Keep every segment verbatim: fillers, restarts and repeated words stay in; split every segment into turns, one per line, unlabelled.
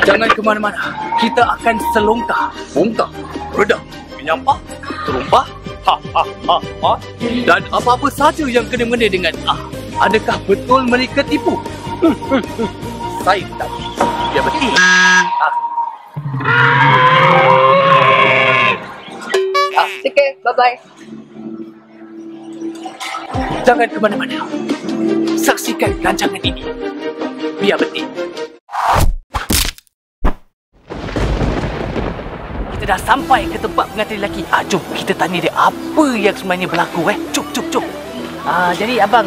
Jangan ke mana-mana. Kita akan selongkar, bongkar, redah, menyampak, terumpah, ha ha ha ha, dan apa-apa saja yang kena-mena dengan ah. Adakah betul mereka tipu? Hmm, hmm, hmm. Saya tak biar betul. Ah. Ah, okay, bye-bye. Jangan ke mana-mana. Saksikan rancangan ini. Biar betul. Kita dah sampai ke tempat pengantin lelaki. Ah, jom kita tanya dia apa yang sebenarnya berlaku eh. Cuk, cuk, cuk. Ah, jadi abang,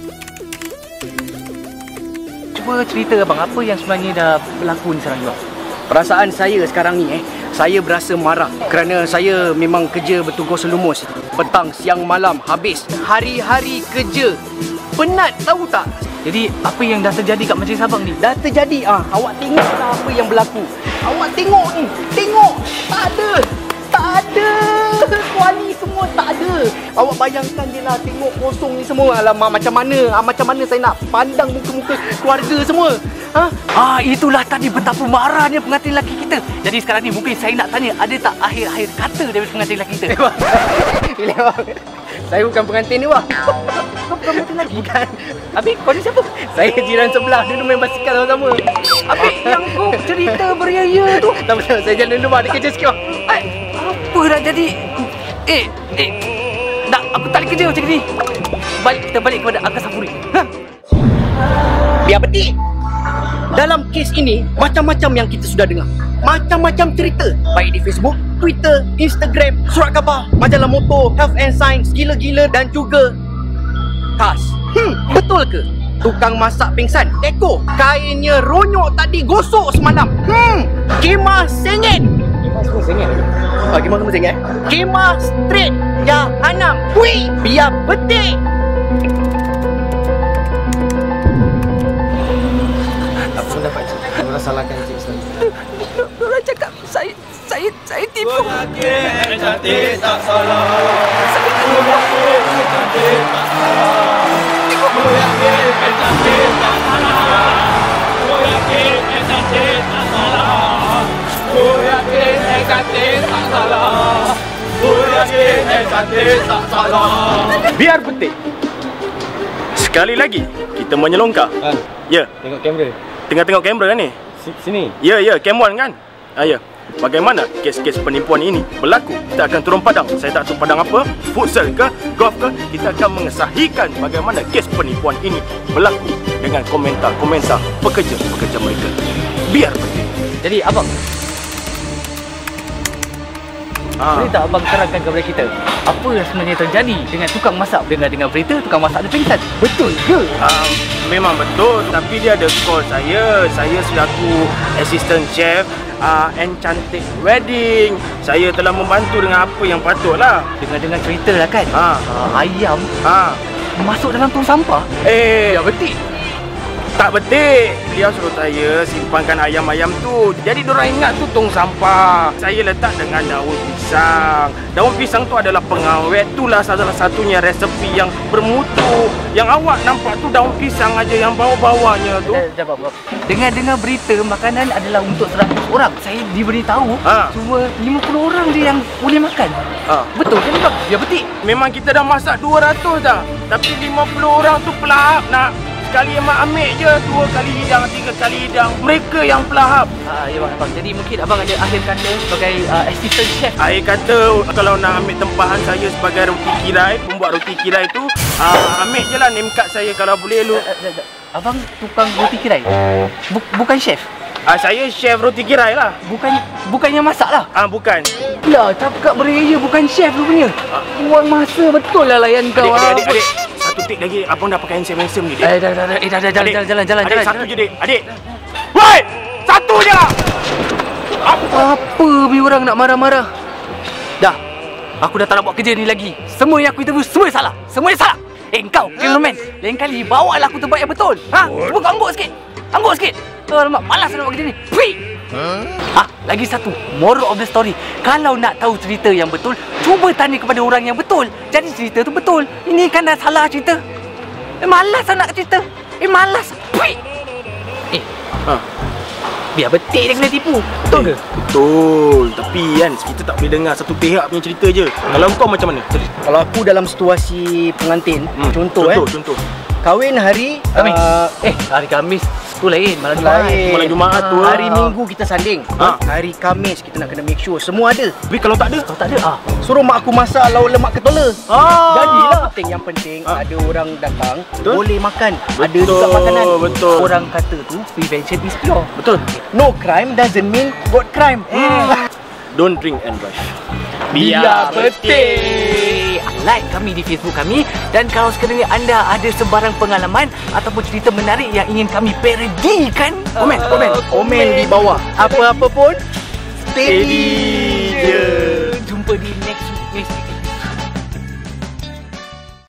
cuba cerita abang apa yang sebenarnya dah berlaku ni sekarang ni bang.
Perasaan saya sekarang ni eh, saya berasa marah kerana saya memang kerja bertugas lumus. Petang, siang, malam, habis. Hari-hari kerja. Penat tahu tak?
Jadi apa yang dah terjadi kat majlis abang ni?
Dah terjadi ah. Awak tengoklah apa yang berlaku. Awak tengok ni. Tengok. Tak ada. Tak ada. Kuali semua tak ada. Awak bayangkan je lah, tengok kosong ni semua. Alamak, macam mana? Ah, macam mana saya nak pandang muka-muka keluarga semua? Ha?
Ah, itulah tadi betapa marahnya pengantin lelaki kita. Jadi sekarang ni mungkin saya nak tanya, ada tak akhir-akhir kata daripada pengantin lelaki kita?
Bila bang, saya bukan pengantin ni bang.
Kau bukan pengantin lagi?
Bukan.
Habis kau ni siapa?
Saya jiran sebelah, dulu main basikal sama-sama.
Habis yang kau cerita beria-ia tu?
Tak betul, saya jalan dulu bang, ada kerja sikit bang.
Ay, apa dah jadi? Eh, eh, tak, aku tak boleh kerja macam ni. Balik, kita balik kepada Angkasa Sapuri. Ha?
Biar betik. Dalam kes ini, macam-macam yang kita sudah dengar. Macam-macam cerita. Baik di Facebook, Twitter, Instagram, surat khabar, majalah motor, Health and Science, gila-gila dan juga Kas. Hmm, betul ke? Tukang masak pingsan, teko, kainnya ronyok tadi gosok semalam. Hmm, kemah sengit. Kemah semua sengit. Ah, kemah semua sengit. Kemah straight jahanam. Hui, biar betik.
Apa dapat cik? Orang salahkan cik selalu.
Orang cakap saya saya saya tipu.
Ku yakin cantik tak salah. Ku yakin cantik tak salah. Ku yakin cantik tak salah. Ku yakin cantik tak salah. Ku yakin cantik tak salah. Ku yakin cantik tak salah.
Biar betik. Sekali lagi kita menyelongkar.
Ha,
Ya,
tengok kamera.
tengah tengok kamera kan ni?
Sini.
Ya, ya, cam one kan? Ah, ya. Bagaimana kes-kes penipuan ini berlaku? Kita akan turun padang. Saya tak tahu padang apa, futsal ke, golf ke. Kita akan mengesahikan bagaimana kes penipuan ini berlaku dengan komentar-komentar pekerja-pekerja mereka. Biar betik.
Jadi abang,
Ah.
boleh tak abang terangkan kepada kita apa yang sebenarnya terjadi dengan tukang masak, dengan dengan berita tukang masak ada pingsan? Betul ke?
Um, memang betul, tapi dia ada call saya. Saya selaku assistant chef uh, Enchanted Wedding. Saya telah membantu dengan apa yang patutlah.
Dengar-dengar cerita lah kan,
Ha.
uh, ayam
Ha.
masuk dalam tong sampah.
Eh,
Ya betul.
tak betik. Dia suruh saya simpankan ayam-ayam tu. Jadi diorang ingat tu tong sampah. Saya letak dengan daun pisang. Daun pisang tu adalah pengawet. Itulah salah satunya resepi yang bermutu. Yang awak nampak tu daun pisang aja yang bawah-bawahnya tu.
Eh, jawab, jawab. Dengar-dengar berita makanan adalah untuk seratus orang. Saya diberitahu
Ha.
cuma lima puluh orang je yang boleh makan.
Ha.
Betul kan bang? Ya betul.
Memang kita dah masak dua ratus dah. Tapi lima puluh orang tu pelahap nak. Sekali emak ambil je, dua kali hidang, tiga kali hidang. Mereka yang pelahap.
Ah, ya bang, abang. Jadi mungkin abang ada akhir kata sebagai uh, assistant chef.
Air kata kalau nak ambil tempahan saya sebagai roti kirai, pembuat roti kirai tu, uh, ambil je lah name card saya kalau boleh lu.
Uh, uh, uh, abang tukang roti kirai? Buk, bukan chef?
Uh, saya chef roti kirai lah.
Bukan bukannya masak lah?
Ah uh, bukan.
Lah, cakap beria bukan chef rupanya. Buang masa betul lah layan kau.
Adik, adik, adik, adik. Satu tik lagi, abang dah pakai handsome-handsome ni, dik.
Eh, dah, dah, dah, eh, dah, dah, jalan,
Adik,
jalan, jalan, jalan,
adik,
jalan.
satu je, dik. Adik. Woi! Satu je lah!
Apa? Apa ni orang nak marah-marah? Dah, aku dah tak nak buat kerja ni lagi. Semua yang aku interview, semua salah. Semua salah. Eh, kau, cameraman. Lain kali, bawa lah aku tempat yang betul. Ha? Cuba kau angguk sikit. Angguk sikit. Alamak, malas nak buat kerja ni. Pui! Ah, lagi satu, moral of the story. Kalau nak tahu cerita yang betul, cuba tanya kepada orang yang betul. Jadi cerita tu betul. Ini kan dah salah cerita. Eh, malas nak cerita. Eh, malas. Pui! Eh,
Ha.
Biar betik dia kena tipu. Betul ke?
Betul. Tapi kan kita tak boleh dengar satu pihak punya cerita je. Kalau kau macam mana?
Kalau aku dalam situasi pengantin,
Hmm,
contoh,
contoh,
eh
contoh.
kahwin hari
Khamis.
uh,
Eh, hari Khamis tu lain, malam Jumaat.
lain.
Malam Jumaat tu,
Hari
ah.
Minggu kita sanding.
Ah.
Hari Khamis kita nak kena make sure semua ada.
Tapi kalau tak ada,
Kalau tak ada ah.
Suruh mak aku masak lauk lemak ketola.
ah,
Jadilah. Penting yang penting
Ah.
ada orang datang
Betul.
boleh makan. Ada
Betul,
juga makanan.
betul.
Orang kata tu prevention is cure.
Betul.
No crime doesn't mean got crime.
Hmm. Don't drink and drive.
Biar betik. Like kami di Facebook kami. Dan kalau sekiranya anda ada sebarang pengalaman ataupun cerita menarik yang ingin kami parodikan,
Komen, komen, komen di bawah. Apa-apa pun steady je.
Jumpa di next next